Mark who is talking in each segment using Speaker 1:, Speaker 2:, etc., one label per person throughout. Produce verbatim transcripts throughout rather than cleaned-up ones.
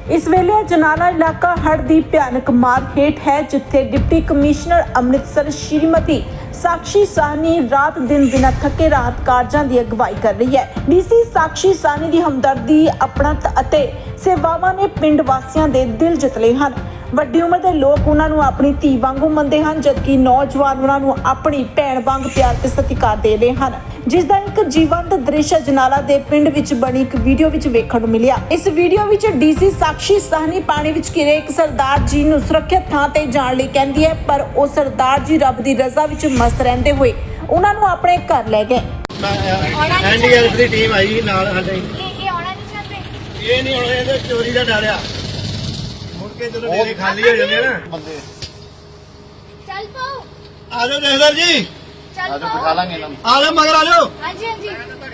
Speaker 1: इस वेले जनाला इलाका हड़ की भयानक मार हेठ है, जिथे डिप्टी कमिश्नर अमृतसर श्रीमती साक्षी साहनी रात दिन बिना थके राहत कार्जां की अगवाई कर रही है। डीसी साक्षी साहनी की हमदर्दी, अपणत अते सेवावां ने पिंड वासियां दे दिल जित लए हन। ਵੱਡੀ उम्र के लोग उन्होंने अपनी धी वांगू मनते हैं, जबकि नौजवान उन्होंने अपनी भैन वांग प्यार ते सत्कार दे रहे हैं, जिसका एक जीवंत दृश्य जनाला दे पिंड विच बनी एक वीडियो विच वेखण नूं मिलिया। इस वीडियो विच डीसी साक्षी साहनी पानी विच घिरे एक सरदार जी नूं सुरक्षित थां ते जाण लई कहंदी है, पर वो सरदार जी रब दी रज़ा विच मस्त रहंदे होए उन्हां नूं अपने घर ले गए।
Speaker 2: एनडीआरएफ दी टीम आई नाल ਸਾਡੇ
Speaker 3: ਇਹ ਆਉਣਾ ਨਹੀਂ ਚਾਹਤੇ।
Speaker 2: ਇਹ ਨਹੀਂ ਹੁਣ ਇਹਦੇ ਚੋਰੀ ਦਾ ਡਰ ਆ, ਮੁੜ ਕੇ ਜਦੋਂ ਡੇਰੇ ਖਾਲੀ ਹੋ ਜਾਂਦੇ ਨਾ ਬੰਦੇ।
Speaker 3: ਚੱਲ ਪਾਓ,
Speaker 2: ਆ ਜਾਓ ਜਹਦਰ ਜੀ,
Speaker 3: ਚੱਲ ਪਾਓ, ਬਿਠਾ ਲਾਂਗੇ ਇਹਨਾਂ ਨੂੰ।
Speaker 2: ਆ ਜਾਓ ਮਗਰ ਆ ਜਾਓ।
Speaker 3: ਹਾਂਜੀ ਹਾਂਜੀ,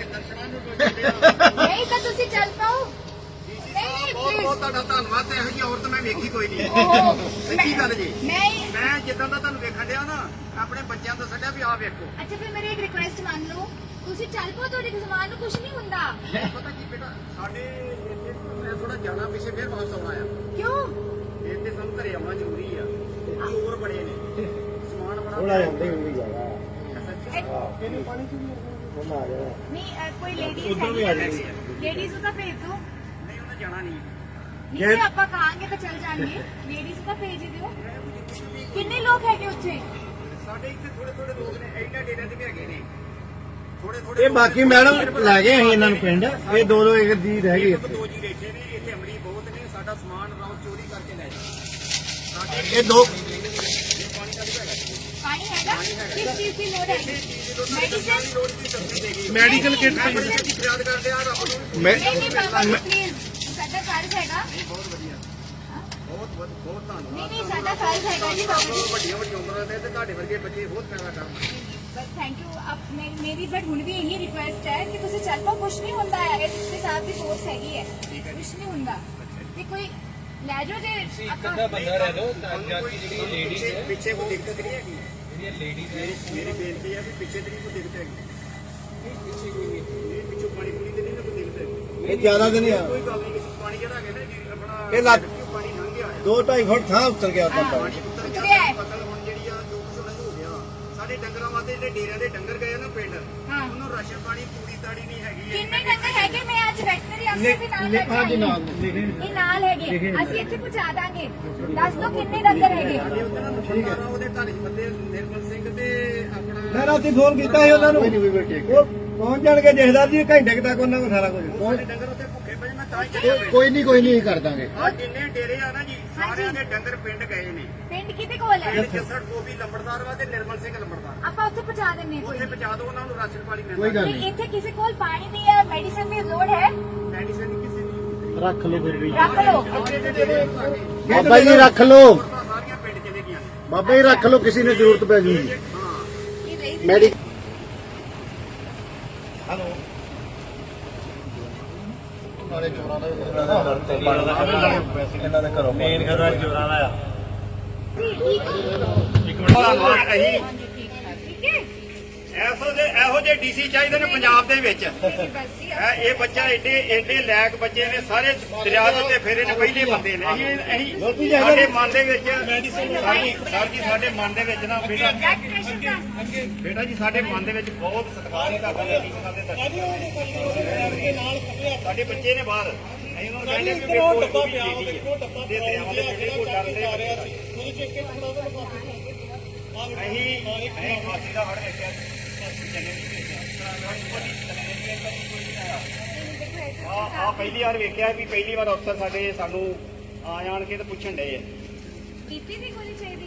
Speaker 3: ਨਹੀਂ ਤਾਂ ਤੁਸੀਂ ਚੱਲ ਪਾਓ। ਨਹੀਂ
Speaker 4: ਬਹੁਤ
Speaker 3: ਪਲੀਜ਼,
Speaker 4: ਬਹੁਤ ਤੁਹਾਡਾ ਧੰਨਵਾਦ। ਤੇ ਇਹੋ ਜਿਹੀ ਔਰਤ ਮੈਂ ਵੇਖੀ ਕੋਈ ਨਹੀਂ।
Speaker 3: ਓਹ,
Speaker 4: ਸੱਚੀ ਗੱਲ ਜੀ।
Speaker 3: ਮੈਂ
Speaker 4: ਮੈਂ ਜਿੱਦਾਂ ਦਾ ਤੁਹਾਨੂੰ ਵੇਖਣ ਡਿਆ ਨਾ, ਆਪਣੇ ਬੱਚਿਆਂ ਤੋਂ ਛੱਡਿਆ ਵੀ ਆਹ ਵੇਖੋ।
Speaker 3: ਅੱਛਾ ਫਿਰ ਮੇਰੀ ਇੱਕ ਰਿਕੁਐਸਟ ਮੰਨ ਲਓ, ਤੁਸੀਂ ਚੱਲ ਪਾਓ, ਤੁਹਾਡੇ ਜ਼ਮਾਨ ਨੂੰ ਕੁਝ ਨਹੀਂ ਹੁੰਦਾ।
Speaker 4: ਪਤਾ ਕੀ ਬੇਟਾ, ਸਾਡੇ ਇੱਥੇ ਮੈਂ ਥੋੜਾ ਜਾਣਾ ਪਿੱਛੇ ਫਿਰ ਵਾਪਸ ਆਉਣਾ ਆ।
Speaker 3: ਕਿਉਂ?
Speaker 4: ਇੱਥੇ ਸਾਨੂੰ ਘਰੇ ਆਉਣਾ ਜ਼ਰੂਰੀ ਆ। ਚੋਰ ਬੜੇ ਨੇ, ਸਮਾਨ ਬੜਾ
Speaker 2: ਥੋੜਾ ਜਾਂਦੇ ਹੁੰਦੀ ਜਾਗਾ।
Speaker 4: ਇਹਨੂੰ ਪਾਣੀ ਚ ਵੀ
Speaker 2: ਹੁਣ ਆ ਜਾਓ।
Speaker 3: ਨਹੀਂ ਅ, ਕੋਈ ਲੇਡੀਜ਼
Speaker 2: ਉੱਧਰ ਵੀ ਆ ਜਾਣੀ।
Speaker 3: ਲੇਡੀਜ਼ ਨੂੰ ਤਾਂ ਭੇਜ ਦਿਓ।
Speaker 4: ਨਹੀਂ ਉਹਨੇ ਜਾਣਾ ਨਹੀਂ।
Speaker 3: ਨਹੀਂ ਜੇ ਆਪਾਂ ਕਹਾਂਗੇ ਤਾਂ ਚੱਲ ਜਾਣਗੇ। ਲੇਡੀਜ਼ ਤਾਂ ਭੇਜ ਹੀ ਦਿਓ। ਕਿੰਨੇ ਲੋਕ ਹੈਗੇ ਉੱਥੇ?
Speaker 4: ਸਾਡੇ ਇੱਥੇ ਥੋੜੇ ਥੋੜੇ ਲੋਕ ਨੇ, ਇਹਨਾਂ ਡੇਰਿਆਂ ਤੇ ਵੀ ਹੈਗੇ ਨੇ ਥੋੜੇ ਥੋੜੇ।
Speaker 2: ਇਹ ਬਾਕੀ ਮੈਡਮ ਲੈ ਗਏ ਅਸੀਂ ਇਹਨਾਂ ਨੂੰ ਪਿੰਡ, ਇਹ ਦੋ ਦੋ ਇੱਕ ਦੀ ਰਹਿ ਗਈ ਇੱਥੇ।
Speaker 4: ਦੋ ਜੀ ਬੈਠੇ ਨੇ ਇੱਥੇ, ਅਮਲੀ ਬਹੁਤ ਨੇ। ਸਾਡਾ ਸਮਾਨ ਰਾਉ ਚੋਰੀ ਕਰਕੇ ਲੈ ਜਾਂਦੇ।
Speaker 2: ਇਹ ਦੋ
Speaker 3: ਪਾਣੀ ਹੈਗਾ? ਕਿਸ ਚੀਜ਼ ਦੀ ਲੋੜ ਹੈ? ਮੈਡੀਸਨ?
Speaker 2: ਮੈਡੀਕਲ ਕਿੱਟ
Speaker 4: ਦੀ ਫਰਿਆਦ ਕਰਦੇ ਆ ਰੱਬ ਨੂੰ।
Speaker 2: ਮੈਂ
Speaker 3: ਨਹੀਂ ਨਹੀਂ ਬਾਬਾ ਜੀ ਪਲੀਜ਼, ਸਾਡਾ ਫਰਜ਼ ਹੈਗਾ।
Speaker 4: ਬਹੁਤ ਵਧੀਆ, ਬਹੁਤ ਬਹੁਤ ਬਹੁਤ ਧੰਨਵਾਦ।
Speaker 3: ਨਹੀਂ ਨਹੀਂ ਸਾਡਾ ਫਰਜ਼ ਹੈਗਾ ਜੀ ਬਾਬਾ ਜੀ।
Speaker 4: ਵੱਡੀਆਂ ਵੱਡੀਆਂ ਉਮਰਾਂ ਦੇ ਤੇ ਤੁਹਾਡੇ ਵਰਗੇ ਬੱਚੇ ਬਹੁਤ ਪੈਦਾ ਕਰਨ।
Speaker 3: ਬਸ ਥੈਂਕ ਯੂ। ਅਬ ਮੈਂ ਮੇਰੀ ਬਟ ਹੁਣ ਵੀ ਇਹੀ ਰਿਕੁਐਸਟ ਹੈ ਕਿ ਤੁਸੀਂ ਚੱਲ ਪਾਓ, ਕੁਝ ਨਹੀਂ ਹੁੰਦਾ ਹੈ। ਇਸ ਦੇ ਸਾਥ ਦੀ ਫੋਰਸ ਹੈਗੀ ਹੈ, ਕੁਝ ਨਹੀਂ ਹੁੰਦਾ। ਤੇ ਕੋਈ ਲੈ ਜਾਓ ਜੇ ਆਪਾਂ
Speaker 5: ਬੰਦਾ ਰਹਿ ਲੋ ਤਾਂ ਜਾ ਕੇ ਜਿਹੜੀ ਲੇਡੀਜ਼ ਹੈ
Speaker 4: ਪਿੱਛੇ ਕੋਈ ਦਿੱਕਤ ਨਹੀਂ ਹੈਗੀ।
Speaker 5: ਜਿਹੜੀਆਂ ਲੇਡੀਜ਼ ਹੈ
Speaker 4: ਮੇਰੀ ਬੇਨਤੀ ਹੈ ਵੀ ਪਿੱਛੇ ਤੇ ਨਹੀਂ ਕੋਈ ਦਿੱਕਤ ਹੈਗੀ। ਪਿੱਛੇ ਕੋਈ ਨਹੀਂ, ਇਹ ਪਿੱਛੋਂ ਪਾਣੀ ਪੂਰੀ ਤੇ ਨਹੀਂ ਨਾ ਕੋਈ ਦਿੱਕਤ ਹੈਗੀ।
Speaker 2: ਇਹ ਜ਼ਿਆਦਾ ਦਿਨ ਆ,
Speaker 4: ਕੋਈ ਗੱਲ ਨਹੀਂ। ਪਾਣੀ ਜਿਹੜਾ ਹੈਗਾ ਨਾ ਜੀ ਆਪਣਾ
Speaker 2: ਇਹ ਲੱਗ
Speaker 4: ਪਾਣੀ ਲੰਘ ਗਿਆ ਹੈ।
Speaker 2: ਦੋ ਢਾਈ ਫੁੱਟ ਥਾਂ ਉੱਤਰ ਗਿਆ ਤਾਂ
Speaker 4: ਪਾਣੀ ਉੱਤਰ
Speaker 3: ਉਤਰਿਆ ਹੈ।
Speaker 4: ਗਿਆ। ਫਸਲ ਹੁਣ ਜਿਹੜੀ ਆ ਜੋ ਕੁਝ ਹੋ ਗਿਆ। ਸਾਡੇ ਡੰਗਰਾਂ ਵਾਸਤੇ ਜਿਹੜੇ ਡੇਰਿਆਂ ਦੇ ਡੰਗਰ ਗਏ ਨਾ ਪਿੰਡ,
Speaker 3: ਹਾਂ।
Speaker 4: ਉਹਨੂੰ ਰਾਸ਼ਨ ਪਾਣੀ ਪੂਰੀ ਤਾੜੀ ਨਹੀਂ ਹੈਗੀ।
Speaker 3: ਕਿੰਨੇ ਡੰਗਰ ਹੈਗੇ? ਮੈਂ ਅੱਜ ਵੈਟਰਨਰੀ ਅਫਸਰ ਵੀ ਨਾਲ ਲੈ ਕੇ ਆਈ ਹਾਂ। ਇਹ ਨਾਲ ਹੈਗੇ, ਅਸੀਂ ਇੱਥੇ ਪਹੁੰਚਾ ਦਾਂਗੇ। ਦੱਸ ਦੋ ਕਿੰਨੇ ਡੰਗਰ ਹੈਗੇ?
Speaker 4: ਉਹਦੇ ਘਰ ਚ ਬੰਦੇ ਨਿਰਮਲ ਸਿੰਘ ਤੇ ਆਪਣਾ
Speaker 2: ਮੈਂ ਰਾਤੀ ਫੋਨ ਕੀਤਾ ਸੀ ਉਹਨਾਂ ਨੂੰ, ਉਹ ਪਹੁੰਚ ਜਾਣਗੇ ਜਹਦਰ ਜੀ ਘੰਟੇ ਕੁ ਤੱਕ ਉਹਨਾਂ ਕੋਲ ਸਾਰਾ ਕੁਝ।
Speaker 4: ਸਾਡੇ ਡੰਗਰ ਉੱਤੇ ਭੁੱਖੇ ਪਏ। ਮੈਂ ਤਾਂ ਹੀ ਚੱਲਿਆ ਪਿੰਡ।
Speaker 2: ਕੋਈ ਨਹੀਂ ਕੋਈ ਨਹੀਂ ਕਰ ਦਾਂਗੇ।
Speaker 4: ਆ ਜਿੰਨੇ ਡੇਰੇ ਆ ਨਾ ਜੀ, ਸਾਰਿਆਂ ਦੇ ਡੰਗਰ ਪਿੰਡ ਗਏ ਨੇ।
Speaker 3: ਪਿੰਡ ਕਿਤੇ ਕੋਲ ਹੈ?
Speaker 4: ਪਿੰਡ ਜੱਸੜ ਗੋਬੀ ਲੰਬੜਦਾਰ ਵਾ ਤੇ ਨਿਰਮਲ ਸਿੰਘ ਲੰਬੜਦਾਰ।
Speaker 3: ਆਪਾਂ ਉੱਥੇ ਪਹੁੰਚਾ ਦਿੰਦੇ ਹਾਂ।
Speaker 4: ਉੱਥੇ ਪਹੁੰਚਾ ਦਿਓ ਉਹਨਾਂ ਨੂੰ, ਰਾਸ਼ਨ ਪਾਣੀ
Speaker 2: ਕੋਈ
Speaker 4: ਮਿਲਦਾ।
Speaker 2: ਗੱਲ
Speaker 3: ਤੇ ਇੱਥੇ ਕਿਸੇ ਕੋਲ ਪਾਣੀ ਦੀ ਜਾਂ ਮੈਡੀਸਨ ਦੀ ਲੋੜ ਹੈ?
Speaker 4: ਮੈਡੀਸਨ ਕਿਸੇ ਦੀ
Speaker 2: ਰੱਖ ਲਓ ਫਿਰ ਵੀ
Speaker 3: ਰੱਖ ਲਓ।
Speaker 4: ਅੱਗੇ ਦੇ ਡੇਰੇ ਆ ਗਏ।
Speaker 2: ਬਾਬਾ ਜੀ ਰੱਖ ਲਓ,
Speaker 4: ਔਰਤਾਂ ਸਾਰੀਆਂ ਪਿੰਡ ਚਲੇ ਗਈਆਂ ਨੇ।
Speaker 2: ਬਾਬਾ ਜੀ ਰੱਖ ਲਓ, ਕਿਸੇ ਨੂੰ ਜ਼ਰੂਰਤ ਪੈ ਜੂਗੀ।
Speaker 4: ਹਾਂ
Speaker 3: ਇਹ ਰਹੀ
Speaker 2: ਮੈਡੀ ਹਲੋ ਨਾਲੇ ਚੋਰਾਂ ਦਾ ਇਹਨਾਂ ਦੇ ਘਰੋਂ ਮੇਨ ਘਰ ਚੋਰਾਂ ਦਾ ਆ।
Speaker 3: ਠੀਕ ਹੈ।
Speaker 4: ਧੰਨਵਾਦ। ਅਸੀਂ
Speaker 3: ਠੀਕ ਹੈ।
Speaker 4: ਐਸੋ ਦੇ ਇਹੋ ਜਿਹੇ ਡੀਸੀ ਚਾਹੀਦੇ ਨੇ ਪੰਜਾਬ ਦੇ ਵਿੱਚ।
Speaker 3: ਬਸ ਜੀ
Speaker 4: ਇਹ ਇਹ ਬੱਚਾ ਏਡੇ ਏਡੇ ਲੈਕ ਬੱਚੇ ਨੇ, ਸਾਰੇ ਦਰਿਆ ਦੇ ਉੱਤੇ ਫੇਰੇ ਨੇ, ਪਹਿਲੇ ਬੰਦੇ ਨੇ। ਅਸੀਂ ਅਸੀਂ ਸਾਡੇ ਮਨ ਦੇ ਵਿੱਚ ਸਾਡੀ ਸਰ ਜੀ ਸਾਡੇ ਮਨ ਦੇ ਵਿੱਚ ਨਾ ਬੇਟਾ
Speaker 3: ਬਲੱਡ ਪ੍ਰੈਸ਼ਰ ਦਾ
Speaker 4: ਬੇਟਾ ਜੀ ਸਾਡੇ ਮਨ ਦੇ ਵਿੱਚ ਬਹੁਤ ਸਤਿਕਾਰ ਹੈ ਤੁਹਾਡਾ ਲੇਡੀ ਸਾਡੇ ਸਾਡੇ ਬੱਚੇ ਨੇ ਬਾਹਰ। ਅਸੀਂ ਉਹਨਾਂ ਨੂੰ ਕਹਿੰਦੇ ਕਿ ਵੇਖੋ ਡੱਬਾ ਪਿਆ ਵੇਖੋ ਡੱਬਾ ਦੇ ਦਰਿਆਵਾਂ ਦੇ ਜਿਹੜੇ ਕੋਲ ਡਰਦੇ ਆ ਰਹੇ ਸੀ। ਤੁਸੀਂ ਚੈੱਕ ਕੇ ਥੋੜਾ ਜਿਹਾ ਲਗਾ ਦਿਓ। ਅਸੀਂ ਅਸੀਂ ਫਾਸੀ ਦਾ ਹੜ ਵੇਖਿਆ ਸੀ। ਆ ਆ ਪਹਿਲੀ ਵਾਰ ਵੇਖਿਆ ਵੀ ਪਹਿਲੀ ਵਾਰ ਅਫਸਰ ਸਾਡੇ ਸਾਨੂੰ ਆ ਜਾਣ ਕੇ ਤੇ ਪੁੱਛਣ ਡਏ ਆ।
Speaker 3: ਬੀਪੀ ਦੀ ਗੋਲੀ ਚਾਹੀਦੀ